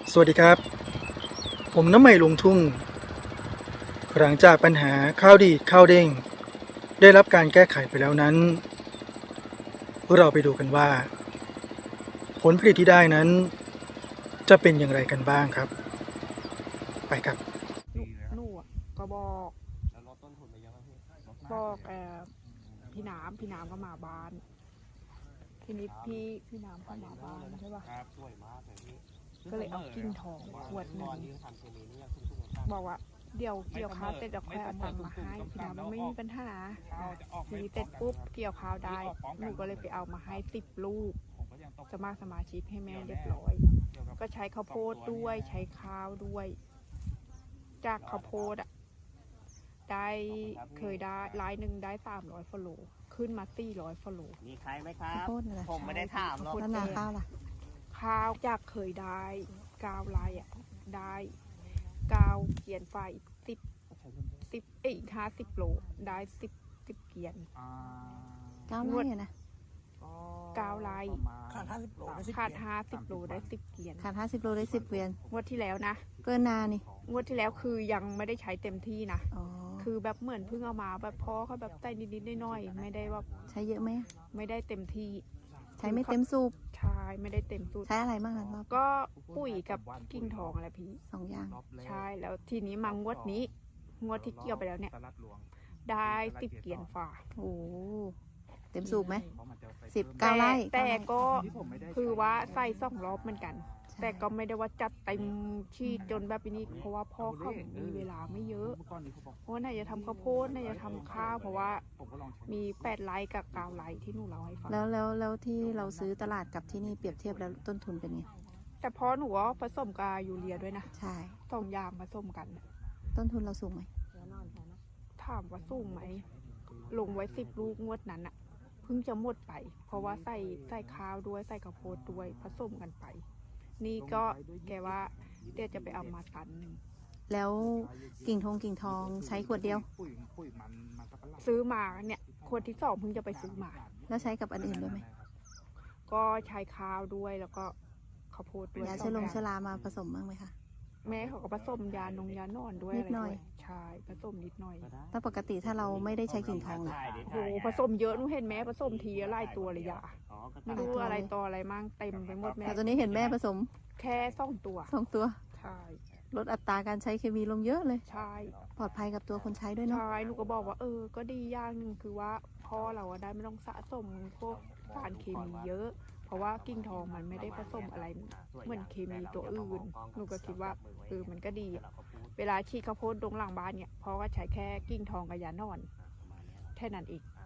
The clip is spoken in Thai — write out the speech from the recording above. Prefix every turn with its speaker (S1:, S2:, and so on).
S1: สวัสดีครับผมน้ำใหม่ลงทุ่งหลังจากปัญหาข้าวดีดข้าวเด้งได้รับการแก้ไขไปแล้วนั้นเราไปดูกันว่าผลผลิตที่ได้นั้นจะเป็นอย่างไรกันบ้างครับไปครับ
S2: หนูอะก็บอก
S3: แล้วลดต้นทุนไปเยอะไหมพี่ลดมาก
S2: บอก
S3: เลย
S2: พี่น้ำก็มาบ้านทีนี้พี่น้ำเข้ามาบ้านใช่ป่ะ
S3: ครับสวยมากเลยพี่
S2: ก็เลยเอากิ่งทองขวดหนึ่งบอกว่าเดี๋ยวเกี่ยวข้าวเสร็จจะค่อยเอาตังค์มาให้พี่น้ำไม่มีปัญหาทีเสร็จปุ๊บเกี่ยวข้าวได้หนูก็เลยไปเอามาให้10 ลูกสมาชิกให้แม่เรียบร้อยก็ใช้ข้าวโพดด้วยใช้ข้าวด้วยจากข้าวโพดอะได้เคยได้รายหนึ่งได้300 ฟโลขึ้นมา400 ฟโล
S3: มีใครไหมครั
S4: ข้าว
S3: บ
S4: โพดอะไร
S3: ผมไม่ได้ถามหรอก
S4: แล้วนาข้าวล่ะ
S2: ข้าวจากเคยได้9 ลายอ่ะได้9 เกียนไฟอีก50 โลได้10 เกียน
S4: 9 ไร่อะนะ
S2: 9 ลายขาด50 โลได้10 เกียน
S4: ขาด50 โลได้10 เกวียน
S2: งวดที่แล้วนะ
S4: เกินนานี่
S2: งวดที่แล้วคือยังไม่ได้ใช้เต็มที่นะ
S4: อ๋อ
S2: คือแบบเหมือนเพิ่งเอามาแบบพ่อเขาแบบใส่นิดๆหน่อยๆไม่ได้ว่า
S4: ใช้เยอะไหม
S2: ไม่ได้เต็มที่
S4: ใช้ไม่เต็มสูบ
S2: ใช่ไม่ได้เต็มสูตร
S4: ใช้อะไรบ้างล่ะรอบ
S2: ก็ปุ๋ยกับกิ่งทองอะไรพี่
S4: 2 อย่าง
S2: ใช่แล้วทีนี้มางวดนี้งวดที่เกี่ยวไปแล้วเนี่ยได้10 เกียนฝ่า
S4: โอ้เต็มสูบไหม9 ไร่
S2: แต่ก็คือว่าใส่2 รอบเหมือนกัน แต่ก็ไม่ได้ว่าจัดเต็มที่จนแบบนี้เพราะว่าพ่อเขามีเวลาไม่เยอะเพราะว่าน่าจะทำข้าวโพดน่าจะทำข้าวเพราะว่ามี8 ไร่กับ9 ไร่ที่หนูเล่าให้ฟัง
S4: แล้วที่เราซื้อตลาดกับที่นี่เปรียบเทียบแล้วต้นทุนเป็นไง
S2: แต่พอหนูว่าผสมกับยูเรียด้วยนะ
S4: ใช่
S2: 2 อย่างผสมกัน
S4: ต้นทุนเราสูงไหม
S2: ถามว่าสูงไหมลงไว้10 ลูกงวดนั้นอะเพิ่งจะหมดไป เพราะว่าใส่ข้าวด้วยใส่ข้าวโพดด้วยผสมกันไป นี่ก็แกว่าเดี๋ยวจะไปเอามาตันหนึ่ง
S4: แล้วกิ่งทองใช้ขวดเดียว
S2: ซื้อมาเนี่ยขวดที่2เพิ่งจะไปซื้อมา
S4: แล้วใช้กับอันอื่นด้วยไหม
S2: ก็ใช้ข้าวด้วยแล้วก็ข้าวโพดด้วย
S4: ยาชรามาผสมบ้างไหมคะ
S2: แม่เขาก็ผสมยานอนด้วย
S4: นิดหน่อย
S2: ใช่ผสมนิดหน่อย
S4: ถ้าปกติถ้าเราไม่ได้ใช้กิ่งทองล่ะ
S2: โอ้โหผสมเยอะหนูเห็นแม่ผสมทีละหลายตัวเลยยาไม่รู้อะไรต่ออะไรมั่งเต็มไปหมดแม่
S4: แต่ตัวนี้เห็นแม่ผสม
S2: แค่2 ตัว
S4: 2 ตัว
S2: ใช่
S4: ลดอัตราการใช้เคมีลงเยอะเลย
S2: ใช่
S4: ปลอดภัยกับตัวคนใช้ด้วยเนาะ
S2: ใช่หนูก็บอกว่าก็ดีอย่างหนึ่งคือว่าพ่อเราอะได้ไม่ต้องสะสมพวกสารเคมีเยอะ เพราะว่ากิ่งทองมันไม่ได้ผสมอะไรเหมือนเคมีตัวอื่นหนูก็คิดว่ามันก็ดีอะเวลาฉีดข้าวโพดตรงหลังบ้านเนี่ยพ่อก็ใช้แค่กิ่งทองกับยานอนแค่นั้นเอง